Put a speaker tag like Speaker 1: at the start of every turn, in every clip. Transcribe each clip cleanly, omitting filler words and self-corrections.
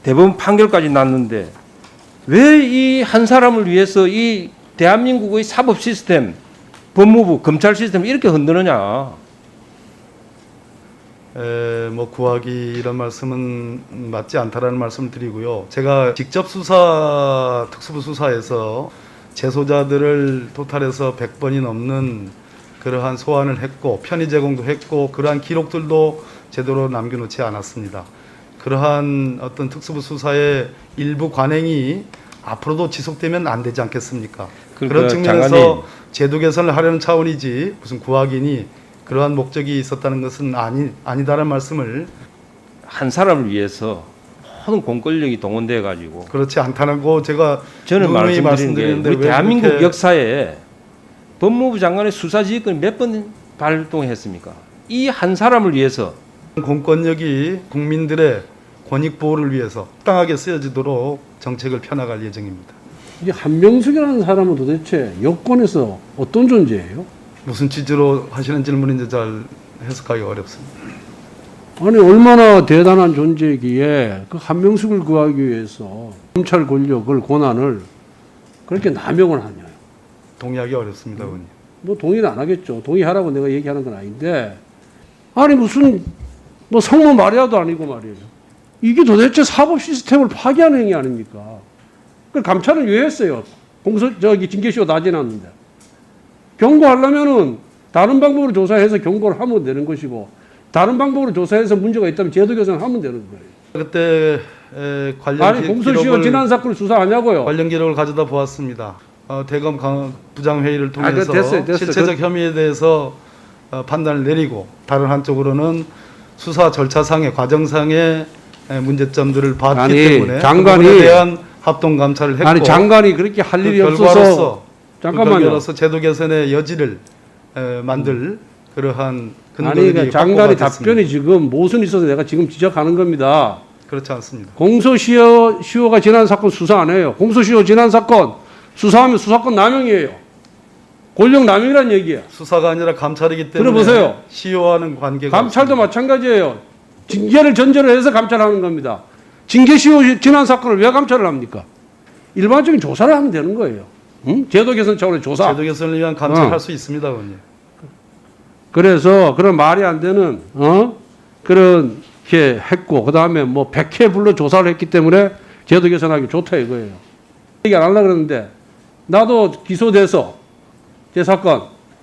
Speaker 1: 대법원 판결까지 났는데 왜 이 한 사람을 위해서 이 대한민국의 사법 시스템, 법무부, 검찰 시스템 이렇게 흔드느냐?
Speaker 2: 뭐 구하기 이런 말씀은 맞지 않다라는 말씀을 드리고요. 제가 직접 수사, 특수부 수사에서 재소자들을 토탈해서 100번이 넘는 그러한 소환을 했고 편의 제공도 했고 그러한 기록들도 제대로 남겨놓지 않았습니다. 그러한 어떤 특수부 수사의 일부 관행이 앞으로도 지속되면 안 되지 않겠습니까? 그런 측면에서
Speaker 1: 장관님,
Speaker 2: 제도 개선을 하려는 차원이지 무슨 구하기니 그러한 목적이 있었다는 것은 아니다라는 말씀을
Speaker 1: 한 사람을 위해서 모든 공권력이 동원돼 가지고
Speaker 2: 그렇지 않다고 제가
Speaker 1: 저는
Speaker 2: 누누이
Speaker 1: 말씀드린 게 우리
Speaker 2: 왜
Speaker 1: 대한민국
Speaker 2: 그렇게
Speaker 1: 역사에 법무부 장관의 수사지휘권이 몇 번 발동했습니까? 이 한 사람을 위해서
Speaker 2: 공권력이 국민들의 권익 보호를 위해서 합당하게 쓰여지도록 정책을 펴나갈 예정입니다.
Speaker 3: 이 한명숙이라는 사람은 도대체 여권에서 어떤 존재예요?
Speaker 2: 무슨 취지로 하시는 질문인지 잘 해석하기 어렵습니다.
Speaker 3: 아니 얼마나 대단한 존재이기에 그 한명숙을 구하기 위해서 검찰 권력을 권한을 그렇게 남용을 하냐?
Speaker 2: 동의하기 어렵습니다, 의원님.
Speaker 3: 뭐 동의는 안 하겠죠. 동의하라고 내가 얘기하는 건 아닌데 아니 무슨 뭐 성모 마리아도 아니고 말이에요. 이게 도대체 사법 시스템을 파괴하는 행위 아닙니까? 그 감찰은 왜 했어요? 징계시효 다 지났는데 경고하려면은 다른 방법으로 조사해서 경고를 하면 되는 것이고 다른 방법으로 조사해서 문제가 있다면 제도 개선하면 되는 거예요.
Speaker 2: 그때 관련
Speaker 3: 아니 공소시효 지난 사건을 수사하냐고요?
Speaker 2: 관련 기록을 가져다 보았습니다. 대검 부장회의를 통해서
Speaker 3: 됐어요.
Speaker 2: 실체적 혐의에 대해서 판단을 내리고 다른 한쪽으로는 수사 절차상의 과정상의 문제점들을 봤기
Speaker 3: 아니,
Speaker 2: 때문에
Speaker 3: 장관이
Speaker 2: 그 부분에 대한 합동 감찰을 했고
Speaker 3: 아니 장관이 그렇게 할 일이 없어서 잠깐만요.
Speaker 2: 결과로서 제도 개선의 여지를 만들 그러한
Speaker 3: 아니
Speaker 2: 근거들이
Speaker 3: 그러니까 장관의
Speaker 2: 확보가 됐습니다.
Speaker 3: 답변이 지금 모순이 있어서 내가 지금 지적하는 겁니다.
Speaker 2: 그렇지 않습니다.
Speaker 3: 공소시효가 지난 사건 수사 안 해요. 공소시효 지난 사건 수사하면 수사권 남용이에요. 권력 남용이란 얘기야.
Speaker 2: 수사가 아니라 감찰이기 때문에
Speaker 3: 들어보세요.
Speaker 2: 시효와는 관계가
Speaker 3: 감찰도
Speaker 2: 없습니다.
Speaker 3: 마찬가지예요. 징계를 전제로 해서 감찰하는 겁니다. 징계시효 지난 사건을 왜 감찰을 합니까? 일반적인 조사를 하면 되는 거예요. 응? 제도 개선 차원의 조사.
Speaker 2: 제도 개선을 위한 감찰할 수 있습니다, 의원님.
Speaker 3: 그래서 그런 말이 안 되는 그렇게 했고 그 다음에 뭐 100회 불러 조사를 했기 때문에 제도 개선하기 좋다 이거예요. 얘기 안 하려고 그러는데 나도 기소돼서 제 사건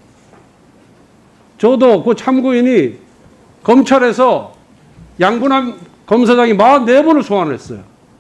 Speaker 3: 저도 그 참고인이 검찰에서 양분함 검사장이 44번을 소환을 했어요.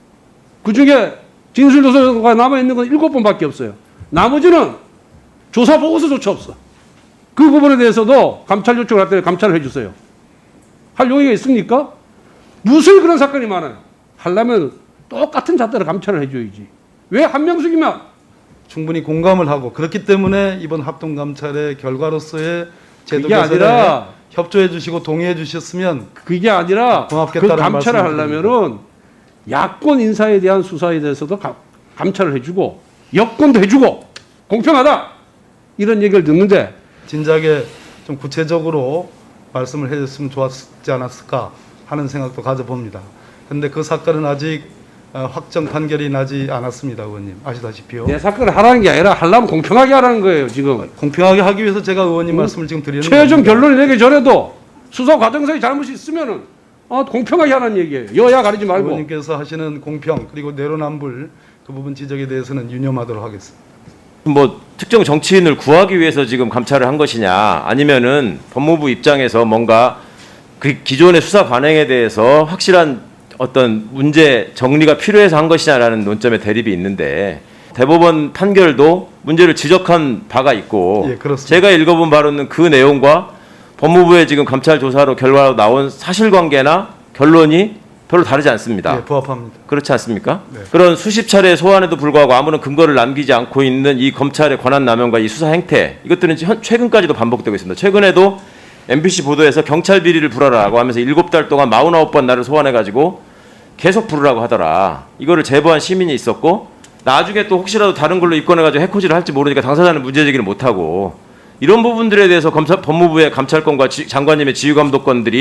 Speaker 3: 그중에 진술조서가 남아있는 건 7번밖에 없어요. 나머지는 조사 보고서조차 없어. 그 부분에 대해서도 감찰 요청을 할 때 감찰을 해주세요. 할 용의가 있습니까? 무슨 그런 사건이 많아요. 하려면 똑같은 잣대로 감찰을 해줘야지. 왜 한명숙이면?
Speaker 2: 충분히 공감을 하고 그렇기 때문에 이번 합동감찰의 결과로서의 제도
Speaker 3: 그게
Speaker 2: 개선에
Speaker 3: 아니라
Speaker 2: 협조해 주시고 동의해 주셨으면
Speaker 3: 그게 아니라 그
Speaker 2: 고맙겠다는
Speaker 3: 감찰을
Speaker 2: 말씀을
Speaker 3: 하려면은 야권 인사에 대한 수사에 대해서도 감찰을 해주고 여권도 해주고 공평하다 이런 얘기를 듣는데
Speaker 2: 진작에 좀 구체적으로 말씀을 해줬으면 좋았지 않았을까 하는 생각도 가져봅니다. 그런데 그 사건은 아직 확정 판결이 나지 않았습니다, 의원님. 아시다시피요.
Speaker 3: 내 사건을 하라는 게 아니라 하려면 공평하게 하라는 거예요 지금.
Speaker 2: 공평하게 하기 위해서 제가 의원님 말씀을 지금 드리는
Speaker 3: 최종
Speaker 2: 겁니다.
Speaker 3: 결론을 내기 전에도 수사 과정상의 잘못이 있으면은 공평하게 하라는 얘기예요. 여야 가리지 말고.
Speaker 2: 의원님께서 하시는 공평 그리고 내로남불 그 부분 지적에 대해서는 유념하도록 하겠습니다.
Speaker 4: 뭐 특정 정치인을 구하기 위해서 지금 감찰을 한 것이냐 아니면은 법무부 입장에서 뭔가 그 기존의 수사 관행에 대해서 확실한 어떤 문제 정리가 필요해서 한 것이냐라는 논점의 대립이 있는데 대법원 판결도 문제를 지적한 바가 있고
Speaker 2: 예, 그렇습니다.
Speaker 4: 제가 읽어본 바로는 그 내용과 법무부의 지금 감찰 조사로 결과로 나온 사실관계나 결론이 별로 다르지 않습니다.
Speaker 2: 예, 부합합니다.
Speaker 4: 그렇지 않습니까?
Speaker 2: 네.
Speaker 4: 그런 수십 차례 소환에도 불구하고 아무런 근거를 남기지 않고 있는 이 검찰의 권한 남용과 이 수사 행태 이것들은 최근까지도 반복되고 있습니다. 최근에도 MBC 보도에서 경찰 비리를 불어라고 하면서 7달 동안 49번 나를 소환해가지고 계속 부르라고 하더라. 이거를 제보한 시민이 있었고 나중에 또 혹시라도 다른 걸로 입건해가지고 해코지를 할지 모르니까 당사자는 문제제기를 못하고 이런 부분들에 대해서 법무부의 감찰권과 장관님의 지휘감독권들이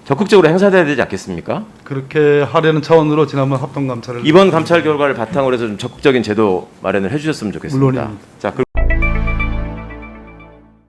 Speaker 4: 적극적으로 행사돼야 되지 않겠습니까?
Speaker 2: 그렇게 하려는 차원으로 지난번 합동감찰을
Speaker 4: 이번 감찰 결과를 바탕으로 해서 좀 적극적인 제도 마련을 해주셨으면 좋겠습니다.
Speaker 2: 물론입니다.
Speaker 4: 자,